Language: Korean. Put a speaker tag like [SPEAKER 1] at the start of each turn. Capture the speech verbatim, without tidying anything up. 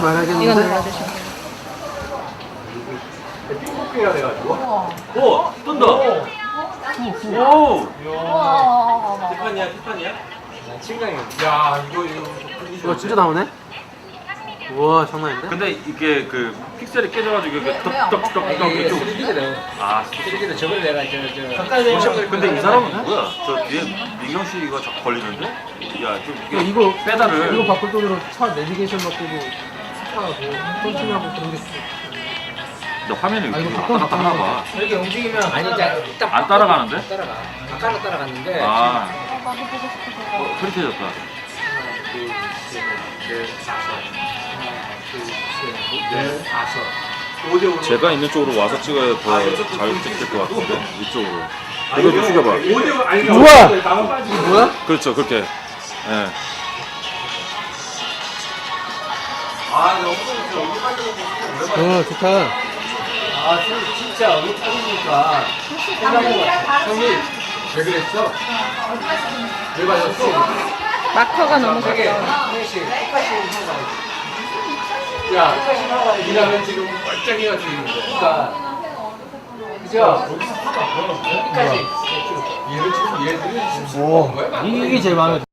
[SPEAKER 1] 말하겠는데.
[SPEAKER 2] 이건 눌러주시면 돼요.
[SPEAKER 3] 핑크가 돼가지고.
[SPEAKER 4] 오! 뜬다! 오!
[SPEAKER 2] 우와.
[SPEAKER 4] 티파니야, 티파니야?
[SPEAKER 3] 친강이. 야, 이거, 이거.
[SPEAKER 1] 이거 진짜 나오네? 우와, 장난 아닌데?
[SPEAKER 4] 근데 이게 그 픽셀이 깨져가지고 이게 떡떡떡떡 이렇게
[SPEAKER 3] 쓰리디거든.
[SPEAKER 4] 아,
[SPEAKER 3] 쓰리디는 저번에 내가 저, 저.
[SPEAKER 1] 가까이
[SPEAKER 3] 모션을
[SPEAKER 4] 근데 이 사람은 뭐야? 저 뒤에 민경 씨가 저 걸리는데? 야, 좀
[SPEAKER 1] 야,
[SPEAKER 4] 이게
[SPEAKER 1] 이거
[SPEAKER 4] 페달을
[SPEAKER 1] 이거 바꿀 돈으로 차 내비게이션 바꾸고 스파하고 컨트롤하고 그런 게
[SPEAKER 4] 근데 화면이
[SPEAKER 1] 아, 이거
[SPEAKER 4] 이렇게
[SPEAKER 1] 바꿔,
[SPEAKER 4] 왔다 갔다 하나
[SPEAKER 1] 바꿔.
[SPEAKER 4] 봐.
[SPEAKER 3] 이렇게 움직이면. 아니, 이제 일단.
[SPEAKER 4] 안 따라가는데?
[SPEAKER 3] 안 따라가. 아까는 따라갔는데.
[SPEAKER 4] 아,
[SPEAKER 2] 어, 나도 보고 싶어서.
[SPEAKER 4] 어, 흐릿해졌다.
[SPEAKER 3] 하나, 둘, 셋, 넷, 다섯. 하나, 둘, 셋, 넷, 다섯. 오 대 오로.
[SPEAKER 4] 제가 있는 쪽으로 와서 찍어야 더 잘 찍힐 것 같은데 이쪽으로. 이거 좀 숙여봐.
[SPEAKER 3] 오 대 오, 아니,
[SPEAKER 1] 우와!
[SPEAKER 3] 나만 빠지고.
[SPEAKER 1] 뭐야?
[SPEAKER 4] 그렇죠, 그렇게. 예.
[SPEAKER 3] 아, 너무 좋죠. 여기 빠지고 오랜만에.
[SPEAKER 1] 어, 좋다.
[SPEAKER 3] 아, 진짜 여기 빠지니까. 형님, 왜 그랬어? 왜 빠졌어?
[SPEAKER 2] 마커가 너무
[SPEAKER 3] 되게
[SPEAKER 2] 가까워.
[SPEAKER 3] 형씨 똑같이 하고 야, 똑같이 하고 일하면 지금 멀쩡해가 지는데. 그러니까 그죠? 여기까지 얘를 지금 얘들이 지금
[SPEAKER 1] 오,
[SPEAKER 3] 거야?
[SPEAKER 1] 이게 제일 마음에 들어.